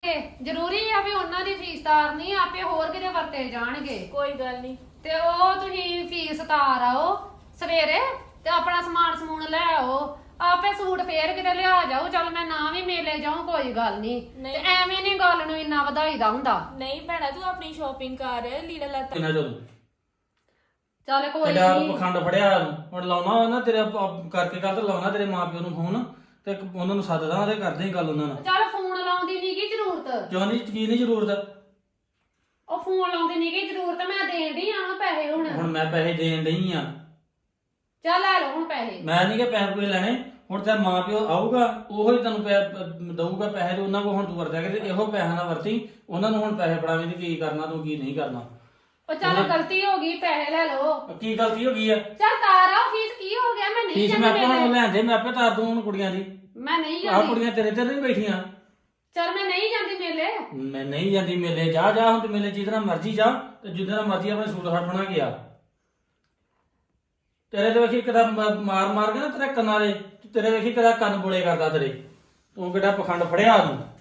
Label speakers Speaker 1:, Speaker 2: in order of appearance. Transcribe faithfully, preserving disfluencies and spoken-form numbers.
Speaker 1: ਜ਼ਰੂਰੀ ਆ ਵੀ ਉਹਨਾਂ ਦੀ ਫੀਸ ਤਾਰਨੀ ਆਪੇ ਹੋਰ ਕਿਤੇ ਵਰਤੇ ਜਾਣਗੇ।
Speaker 2: ਕੋਈ ਗੱਲ ਨਹੀਂ।
Speaker 1: ਤੇ ਉਹ ਤੁਸੀਂ ਫੀਸ ਤਾਰ ਆਓ ਸਵੇਰੇ ਤੇ ਆਪਣਾ ਸਮਾਨ ਸਮੂਨ ਲੈ ਆਓ। ਆਪੇ ਸੂਟ ਫੇਰ ਕਿਤੇ ਲਿਆ ਜਾਓ। ਚੱਲ ਮੈਂ ਨਾ ਵੀ ਮੇਲੇ ਜਾਉਂ ਕੋਈ ਗੱਲ ਨਹੀਂ ਤੇ ਐਵੇਂ ਨਹੀਂ ਗੱਲ ਨੂੰ ਇੰਨਾ ਵਧਾਈਦਾ ਹੁੰਦਾ।
Speaker 2: ਨਹੀਂ ਭੈਣਾ ਤੂੰ ਆਪਣੀ ਸ਼ਾਪਿੰਗ ਕਰ ਲੀੜਾ ਲੱਤਾ
Speaker 3: ਕਿੰਨਾ ਜਦੋਂ
Speaker 1: ਚੱਲ ਕੋਈ
Speaker 3: ਤੇਰਾ
Speaker 1: ਨਹੀਂ
Speaker 3: ਪਖੰਡ ਫੜਿਆ ਹੁਣ ਲਾਉਣਾ ਨਾ ਤੇਰੇ ਪ- ਕਰਕੇ ਗੱਲ ਤੇ ਲਾਉਣਾ ਤੇਰੇ ਮਾਪਿਓ ਨੂੰ ਫੋਨ ਤੇ ਉਹਨਾਂ ਨੂੰ ਸੱਦਦਾ ਉਹਦੇ ਕਰਦੇ ਹੀ ਗੱਲ ਉਹਨਾਂ ਨਾਲ।
Speaker 1: ਚੱਲ ਫੋਨ ਲਾਉਣ ਦੀ ਨੀ ਕੀ ਜ਼ਰੂਰਤ।
Speaker 3: ਕਿਉਂ ਨਹੀਂ ਕੀ ਨਹੀਂ ਜ਼ਰੂਰਤ।
Speaker 1: ਉਹ ਫੋਨ ਲਾਉਣ ਦੀ ਨੀ ਕੀ ਜ਼ਰੂਰਤ ਮੈਂ ਦੇਣ ਦੀ ਆ ਪੈਸੇ ਹੁਣ।
Speaker 3: ਹੁਣ ਮੈਂ ਪੈਸੇ ਦੇਣ ਡਈ ਆ।
Speaker 1: ਚੱਲ ਲੈ ਲਓ ਹੁਣ ਪੈਸੇ।
Speaker 3: ਮੈਂ ਨਹੀਂ ਕਿ ਪੈਸੇ ਕੋਈ ਲੈਣੇ। ਹੁਣ ਤੇ ਮਾਂ ਪਿਓ ਆਊਗਾ ਉਹੋ ਹੀ ਤੈਨੂੰ ਪੈ- ਦਊਗਾ ਪੈਸੇ ਤੇ ਉਹਨਾਂ ਕੋਲ ਹੁਣ ਤੂੰ ਵਰਤਿਆ ਕਿ ਇਹੋ ਪੈਸਾ ਨਾ ਵਰਤੀ। ਉਹਨਾਂ ਨੂੰ ਹੁਣ ਪੈਸੇ ਫੜਾਵੇਂ ਤੇ ਕੀ ਕਰਨਾ ਤੂੰ ਕੀ ਨਹੀਂ ਕਰਨਾ।
Speaker 1: ਉਹ ਚੱਲ ਗਲਤੀ ਹੋ ਗਈ ਪੈਸੇ ਲੈ ਲਓ।
Speaker 3: ਕੀ ਗਲਤੀ ਹੋ ਗਈ ਆ।
Speaker 1: ਚੱਲ ਤਾਰ ਆਓ ਫੀਸ ਕੀ ਹੋ ਗਿਆ ਮੈਂ ਨਹੀਂ
Speaker 3: ਫੀਸ ਮੈਂ ਆਪੇ ਹੁਣ
Speaker 1: ਜਾਂਦੀ।
Speaker 3: ਲੈਂਦੇ ਮੈਂ ਆਪੇ ਤਾਰ ਦੂੰ ਹੁਣ ਕੁੜੀਆਂ ਦੀ।
Speaker 1: ਮੈਂ ਨਹੀਂ
Speaker 3: ਆਹ
Speaker 1: ਜਾਂਦੀ।
Speaker 3: ਕੁੜੀਆਂ ਤੇਰੇ ਤੇ ਨਹੀਂ ਬੈਠੀਆਂ।
Speaker 1: ਚੱਲ ਮੈਂ ਨਹੀਂ ਜਾਂਦੀ ਮੇਲੇ।
Speaker 3: ਮੈਂ ਨਹੀਂ ਜਾਂਦੀ ਮੇਲੇ। ਜਾ ਜਾ ਹੁਣ ਤੇ ਮੇਲੇ ਜਿੱਦਣਾ ਮਰਜ਼ੀ ਜਾ ਤੇ ਜਿੱਦਣਾ ਮਰਜ਼ੀ ਆਪਣੇ ਸੂਟ ਹਟਣਾ ਗਿਆ। ਤੇਰੇ ਤੇ ਵੇਖੀ ਕਿਦਾ ਮਾਰ ਮਾਰ ਕੇ ਨਾ ਤੇਰੇ ਕੰਨਾਂ ਦੇ ਤੇਰੇ ਵੇਖੀ ਕਿਦਾ ਕੰਨ ਬੋਲੇ ਕਰਦਾ ਤੇਰੇ। ਤੂੰ ਕਿਹੜਾ ਪਖੰਡ ਫੜਿਆ ਤੂੰ।